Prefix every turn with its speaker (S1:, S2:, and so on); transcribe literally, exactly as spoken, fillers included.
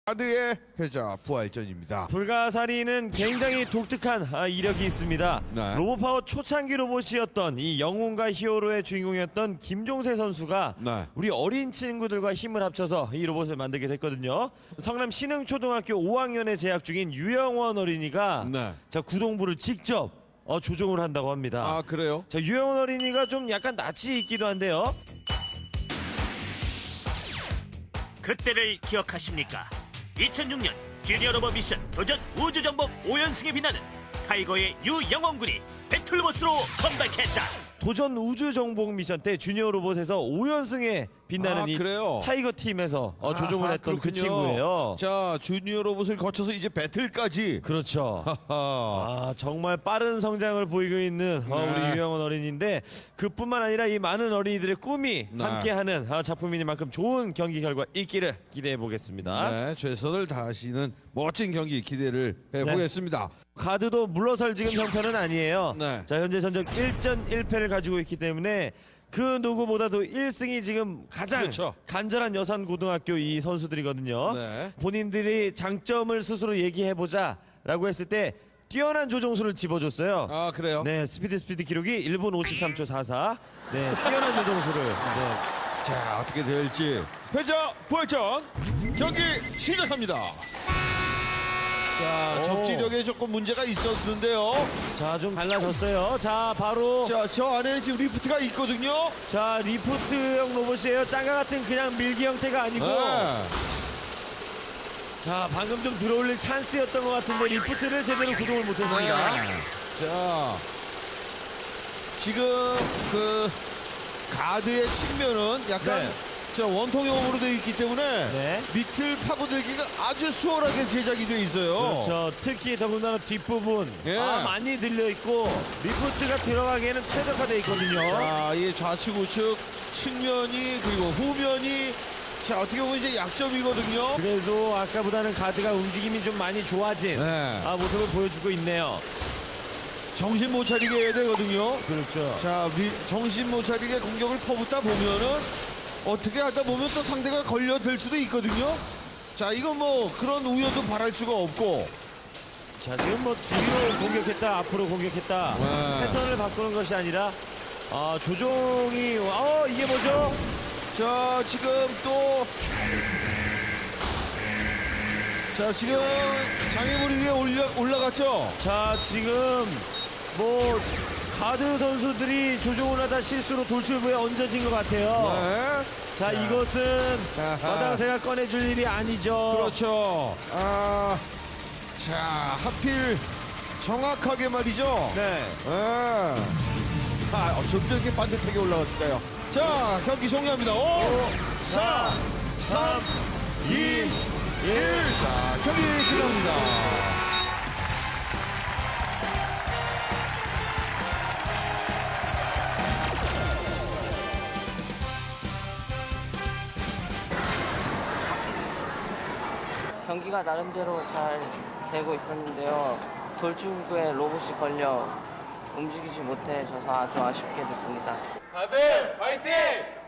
S1: 카드의 패자 부활전입니다.
S2: 불가사리는 굉장히 독특한 아, 이력이 있습니다.
S1: 네.
S2: 로봇파워 초창기 로봇이었던 이 영웅과 히어로의 주인공이었던 김종세 선수가
S1: 네.
S2: 우리 어린 친구들과 힘을 합쳐서 이 로봇을 만들게 됐거든요. 성남 신흥초등학교 오 학년에 재학 중인 유영원 어린이가
S1: 네.
S2: 자 구동부를 직접 어, 조종을 한다고 합니다.
S1: 아 그래요?
S2: 자 유영원 어린이가 좀 약간 낯이 있기도 한데요.
S3: 그때를 기억하십니까? 이천육 년 주니어 로봇 미션 도전 우주정복 오 연승에 빛나는 타이거의 유영원 군이 배틀로봇으로 컴백했다.
S2: 도전 우주 정복 미션 때 주니어 로봇에서 오 연승에 빛나는
S1: 아,
S2: 이
S1: 그래요?
S2: 타이거 팀에서 어, 조종을
S1: 아하,
S2: 했던 그
S1: 그렇군요.
S2: 친구예요.
S1: 자 주니어 로봇을 거쳐서 이제 배틀까지.
S2: 그렇죠.
S1: 하하.
S2: 아 정말 빠른 성장을 보이고 있는 어,
S1: 네.
S2: 우리 유영원 어린이인데 그뿐만 아니라 이 많은 어린이들의 꿈이
S1: 네.
S2: 함께하는 아, 작품이니만큼 좋은 경기 결과 있기를 기대해 보겠습니다.
S1: 네, 최선을 다하시는 멋진 경기 기대를 해보겠습니다.
S2: 가드도 물러설 지금 형편은 아니에요.
S1: 네.
S2: 자 현재 전적 일 전 일 패를 가지고 있기 때문에 그 누구보다도 일 승이 지금 가장
S1: 그렇죠.
S2: 간절한 여산고등학교 이 선수들이거든요.
S1: 네.
S2: 본인들이 장점을 스스로 얘기해보자라고 했을 때 뛰어난 조종수를 집어줬어요.
S1: 아 그래요?
S2: 네, 스피드 스피드 기록이 일 분 오십삼 초 사사. 네, 뛰어난 조종수를. 네.
S1: 자 어떻게 될지 패자 부활전 경기 시작합니다. 자
S2: 오.
S1: 접지력에 조금 문제가 있었는데요.
S2: 자, 좀 달라졌어요. 자, 바로
S1: 자 저 안에는 지금 리프트가 있거든요.
S2: 자 리프트형 로봇이에요. 짱가 같은 그냥 밀기 형태가 아니고.
S1: 네.
S2: 자, 방금 좀 들어올릴 찬스였던 것 같은데 리프트를 제대로 구동을 못했습니다.
S1: 자 지금 그 가드의 측면은 약간
S2: 네.
S1: 자 원통형으로 되어 있기 때문에
S2: 네.
S1: 밑을 파고들기가 아주 수월하게 제작이 되어 있어요.
S2: 그렇죠. 특히 더군다나 뒷부분
S1: 예.
S2: 아, 많이 들려 있고 리프트가 들어가기에는 최적화되어 있거든요.
S1: 자, 이 좌측 우측 측면이 그리고 후면이 자 어떻게 보면 이제 약점이거든요.
S2: 그래도 아까보다는 가드가 움직임이 좀 많이 좋아진
S1: 네.
S2: 아, 모습을 보여주고 있네요.
S1: 정신 못 차리게 해야 되거든요.
S2: 그렇죠.
S1: 자 미, 정신 못 차리게 공격을 퍼붓다 보면은 어떻게 하다 보면 또 상대가 걸려들 수도 있거든요. 자 이건 뭐 그런 우려도 바랄 수가 없고.
S2: 자, 지금 뭐 뒤로 공격했다 앞으로 공격했다
S1: 네.
S2: 패턴을 바꾸는 것이 아니라 아, 조종이 어 이게 뭐죠?
S1: 자 지금 또 자 지금 장애물 위에 올라, 올라갔죠.
S2: 자, 지금 뭐 가드 선수들이 조종을 하다 실수로 돌출부에 얹어진 것 같아요.
S1: 네.
S2: 자, 이것은
S1: 아하.
S2: 마당새가 꺼내줄 일이 아니죠.
S1: 그렇죠. 아, 자 하필 정확하게 말이죠.
S2: 네.
S1: 아, 아 어쩜 이렇게 반듯하게 올라갔을까요? 자 경기 종료합니다. 오, 사, 삼, 이, 일. 자 경기 끝납니다.
S4: 경기가 나름대로 잘 되고 있었는데요. 돌출구에 로봇이 걸려 움직이지 못해 져서 아주 아쉽게 됐습니다.
S5: 다들 화이팅!